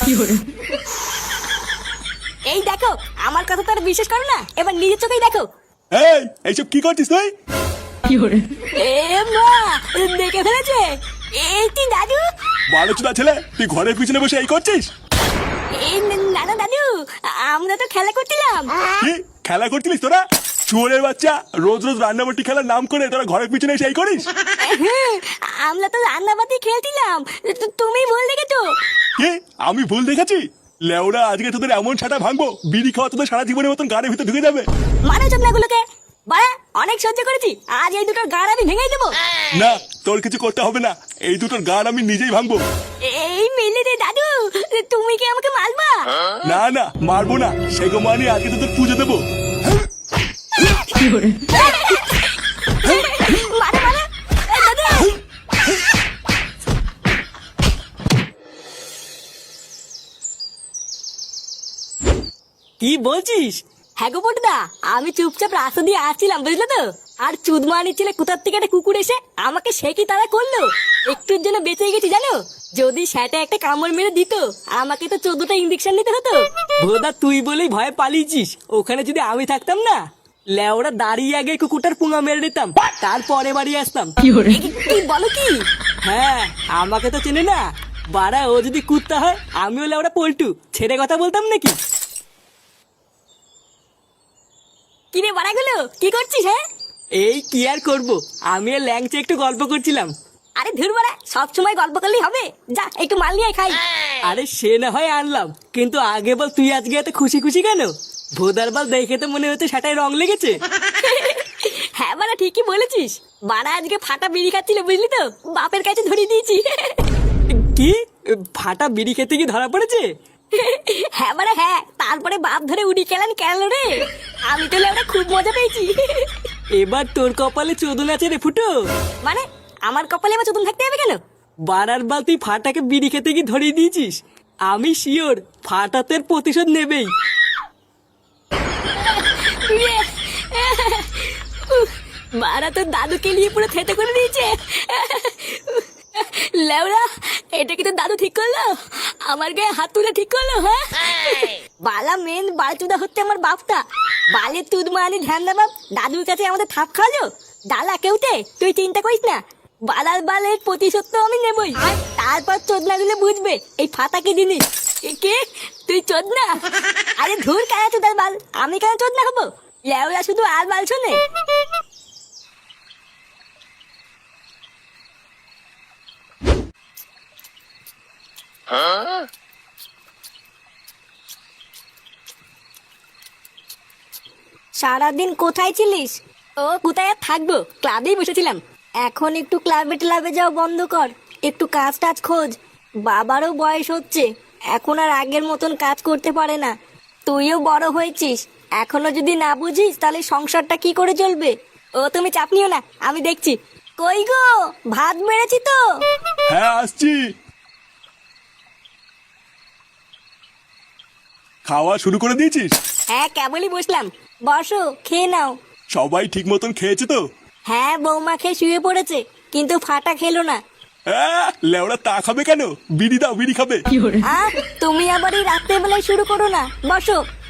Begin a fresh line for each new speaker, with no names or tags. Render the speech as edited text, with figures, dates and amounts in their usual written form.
এই দেখো, আমার কথা তো আর বিশ্বাস করো না, এবার নিজের চোখেই দেখো।
এই এইসব কি করছিস তুই?
এ মা, দেখে ফেলেছে। এই তুই দাদু?
বালচুদা ছেলে, তুই ঘরের পিছনে বসে এই করছিস?
এই না না দাদু, আমরা তো খেলা করছিলাম।
কি খেলা করছিলিস তোরা? চোরের বাচ্চা, রোজ রোজ রান্নাবাটি খেলার নাম করে তোরা ঘরের পিছনে এসে এই করিস?
আমরা তো রান্নাবাতি খেলছিলাম, তুমি ভুল দেখেছো।
কি আমি ভুল দেখেছি? লেওরা আজকে তোদের এমন ছাটা ভাঙবো, বিড়ি খাওয়া তোদের সারা জীবনের মতন গাড়ির ভিতরে ঢুকে যাবে।
মানো চোদনাগুলোকে, বাড়া অনেক সহ্য করেছি, আজ এই দুটোর গাড় আমি ভেঙে দেবো।
না, তোর কিছু করতে হবে না, এই দুটোর গাড় আমি নিজেই ভাঙবো।
এই মিলি রে দাদু, তুমি কি আমাকে মারবা?
না না, মারবো না, সেগো মানি আজকে তোদের পুজো দেবো।
মারো মারো, এই দাদু।
কি বলছিস?
হ্যাঁ গো পটুদা, আমি চুপচাপ রাস্তা দিয়ে আসছিলাম, বুঝলে তো। আর চুদমানি ছেলে কোথার থেকে একটা কুকুর এসে আমাকে সে কি তারা করলো। একটুর জন্য বেঁচে গেছি জানো, যদি সেটা একটা কামড় মেরে দিত আমাকে তো 14টা ইঞ্জেকশন নিতে হতো।
ভোদা তুই বলেই ভয়ে পালিয়েছিস, ওখানে যদি আমি থাকতাম না, লেওরা দাঁড়িয়ে আগে কুকুরটার পুঙা মেরে দিতাম, তারপরে বাড়ি আসতাম।
কি বলো কি?
হ্যাঁ, আমাকে তো চেনে না বাড়া, ও যদি কুত্তা হয় আমিও লেওরা পল্টু, ছেড়ে কথা বলতাম নাকি?
কিরে বাড়াগুলো, কি করছিস? হ্যাঁ
এই কি আর করবো, আমি আর ল্যাংচে একটু গল্প করছিলাম।
আরে ধুর বাড়া, সবসময় গল্প করলেই হবে? যা একটু মাল নিয়ে আয় খাই।
আরে সে না হয় আনলাম, কিন্তু আগে বল তুই আজকে এত খুশি খুশি কেন? ভোদার বল দেখে তো মনে হচ্ছে সেটাই রং লেগেছে।
হ্যাঁ বাড়া, ঠিকই বলেছিস। বাড়া আজকে ফাটা বিড়ি খাচ্ছিল, বুঝলি তো, বাপের কাছে ধরিয়ে দিয়েছি।
কি ফাটা বিড়ি খেতে কি ধরা পড়েছে?
হ্যাঁ বাড়া হ্যাঁ, তারপরে বাপ ধরে উড়ি খেলেন কেন রে। আমি তো ওরা খুব মজা পেয়েছি।
এবার তোর কপালে চোদন আছে রে ফুটো।
মানে আমার কপালে এবার চতুন থাকতে হবে কেন?
বারার বাল তুই ফাটাকে বিড়ি খেতে কি ধরিয়ে দিয়েছিস, আমি শিওর ফাটাতের প্রতিশোধ নেবেই।
বাড়া তো দাদুকে নিয়ে পুরো থেতে করে দিয়েছে। লেওরা, এটা কি তো দাদু ঠিক করলো? আমার গায়ে হাত তুলে ঠিক করলো? হ্যাঁ বালা মেন বালচুদা হচ্ছে আমার বাপটা। বালের তুদ মানি ধ্যান দা বাপ, দাদুর কাছে আমাদের থাপ খাওয়ালো। ডালা কেউতে তুই চিন্তা করিস না, বালার বালের প্রতিশোধ তো আমি নেবই। তারপর চোদনা গুলো বুঝবে এই ফাতা কি জিনিস। কে তুই চোদনা? আরে ধুর কেন চোদার বাল, আমি কেন চোদনা হবো? লেওরা শুধু আর বাল শোনে। সারাদিন কোথায় ছিলিস? ও কোথায় আর থাকবো, ক্লাবেই বসেছিলাম। এখন একটু ক্লাবে ট্লাবে যাও বন্ধ কর, একটু কাজ টাজ খোঁজ। বাবারও বয়স হচ্ছে, এখন আর আগের মতন কাজ করতে পারে না। তুইও বড় হয়েছিস, এখনো যদি না বুঝিস তাহলে সংসারটা কি করে চলবে? ও তুমি চাপ নিও না, আমি দেখছি। কই গো, ভাত বেড়েছি তো।
হ্যাঁ আসছি। খাওয়া শুরু করে দিয়েছিস?
হ্যাঁ কেবলই বসলাম, বসো খেয়ে নাও।
সবাই ঠিক মতন খেয়েছে তো?
হ্যাঁ বৌমা খেয়ে শুয়ে পড়েছে, কিন্তু ফাটা খেলো না।
লেওরা তা খাবে কেন? বিড়ি দাও, বিড়ি খাবে।
তুমি আবার এই রাত্রেবেলায় শুরু করো না, বসো।